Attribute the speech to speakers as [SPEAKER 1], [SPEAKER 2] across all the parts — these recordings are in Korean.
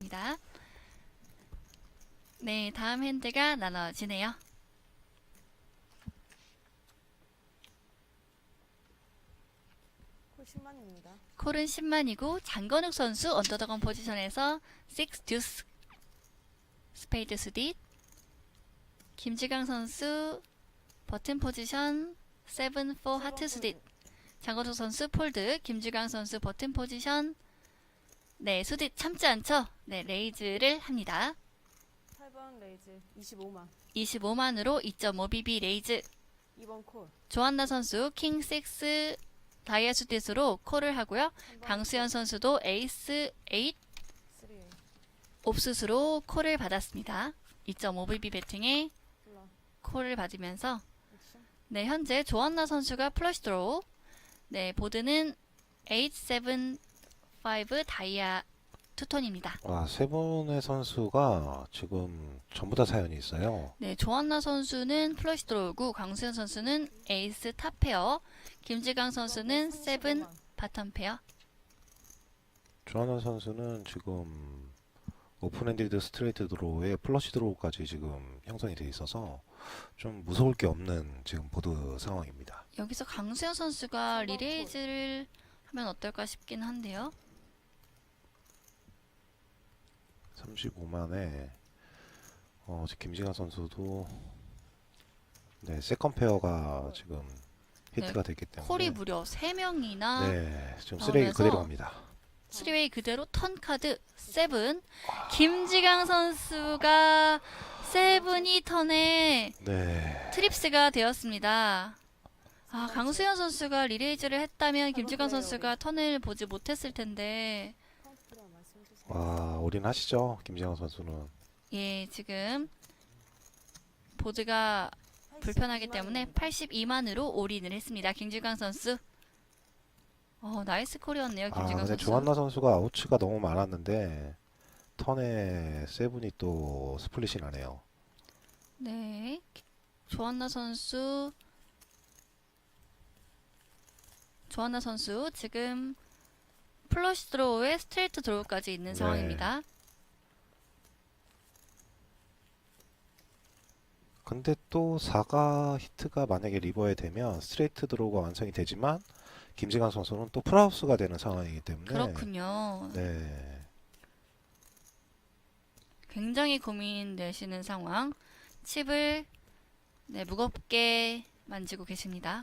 [SPEAKER 1] 있습니다. 네, 다음 핸드가 나눠지네요.
[SPEAKER 2] 콜 10만입니다.
[SPEAKER 1] 콜은 10만이고 장건욱 선수 언더더건 포지션에서 6 듀스 스페이드 수딧, 김지강 선수 버튼 포지션 7 4 하트 수딧, 장건욱 선수 폴드, 김지강 선수 버튼 포지션 네, 수딧 참지 않죠? 네, 레이즈를 합니다.
[SPEAKER 2] 8번 레이즈 25만.
[SPEAKER 1] 25만으로 2.5BB 레이즈.
[SPEAKER 2] 2번 콜.
[SPEAKER 1] 조한나 선수 킹 6 다이아 수딧으로 콜을 하고요.
[SPEAKER 2] 3번
[SPEAKER 1] 강수현 선수도 에이스 8
[SPEAKER 2] 3A.
[SPEAKER 1] 옵수스로 콜을 받았습니다. 2.5BB 배팅에
[SPEAKER 2] 플러.
[SPEAKER 1] 콜을 받으면서
[SPEAKER 2] 액션.
[SPEAKER 1] 네, 현재 조한나 선수가 플러시 드로우. 네, 보드는 8, 7, 5 다이아 투톤입니다.
[SPEAKER 3] 와, 세 분의 선수가 지금 전부 다 사연이 있어요.
[SPEAKER 1] 네, 조한나 선수는 플러시 드로우고 강수현 선수는 에이스 탑 페어, 김지강 선수는 7 바텀 페어.
[SPEAKER 3] 조하나 선수는 지금 오픈핸디드 스트레이트 드로우에 플러시 드로우까지 지금 형성이 돼 있어서 좀 무서울 게 없는 지금 보드 상황입니다.
[SPEAKER 1] 여기서 강수현 선수가 리레이즈를 하면 어떨까 싶긴 한데요.
[SPEAKER 3] 35만에 지금 김지강 선수도 네, 세컨 페어가 지금 히트가 됐기 때문에
[SPEAKER 1] 콜이 무려 3명이나
[SPEAKER 3] 네, 지금 쓰레기
[SPEAKER 1] 나오면서
[SPEAKER 3] 그대로 갑니다.
[SPEAKER 1] 3웨이 그대로 턴 카드 7. 김지강 선수가 세븐이 턴에
[SPEAKER 3] 네.
[SPEAKER 1] 트립스가 되었습니다. 아, 강수현 선수가 리레이즈를 했다면 김지강 선수가 턴을 보지 못했을 텐데
[SPEAKER 2] 카운트 필요한 말씀해 주세요.
[SPEAKER 3] 와, 올인하시죠, 김지강 선수는.
[SPEAKER 1] 예, 지금 보드가 불편하기 때문에 82만으로 올인을 했습니다. 김지강 선수. 나이스 콜이었네요.
[SPEAKER 3] 아,
[SPEAKER 1] 김지강
[SPEAKER 3] 근데
[SPEAKER 1] 선수.
[SPEAKER 3] 조한나 선수가 아웃츠가 너무 많았는데 턴에 세븐이 또 스플릿이 나네요.
[SPEAKER 1] 네. 조한나 선수 지금 플러시 드로우에 스트레이트 드로우까지 있는
[SPEAKER 3] 네.
[SPEAKER 1] 상황입니다.
[SPEAKER 3] 근데 또 4가 히트가 만약에 리버에 되면 스트레이트 드로우가 완성이 되지만 김지강 선수는 또 풀하우스가 되는 상황이기 때문에
[SPEAKER 1] 그렇군요.
[SPEAKER 3] 네.
[SPEAKER 1] 굉장히 고민되시는 상황. 칩을 네, 무겁게 만지고 계십니다.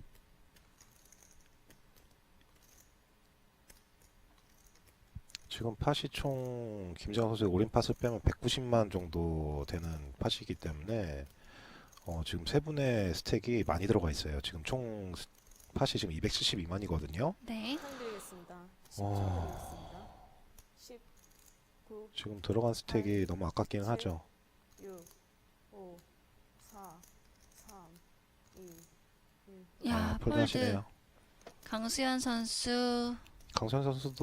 [SPEAKER 3] 지금 팟이 총 김지강 선수의 올인 팟을 빼면 190만 정도 되는 팟이기 때문에 지금 세 분의 스택이 많이 들어가 있어요. 지금 총 팟이 지금 272만이거든요.
[SPEAKER 1] 네.
[SPEAKER 2] 드리겠습니다. 10초
[SPEAKER 3] 와.
[SPEAKER 2] 드리겠습니다. 10, 9,
[SPEAKER 3] 지금 들어간 스택이 너무 아깝기는
[SPEAKER 2] 칠.
[SPEAKER 3] 하죠.
[SPEAKER 2] 6, 5, 4, 3, 2, 1.
[SPEAKER 1] 야,
[SPEAKER 3] 폴드
[SPEAKER 1] 폴드.
[SPEAKER 3] 하시네요.
[SPEAKER 1] 강수현 선수
[SPEAKER 3] 강선 선수도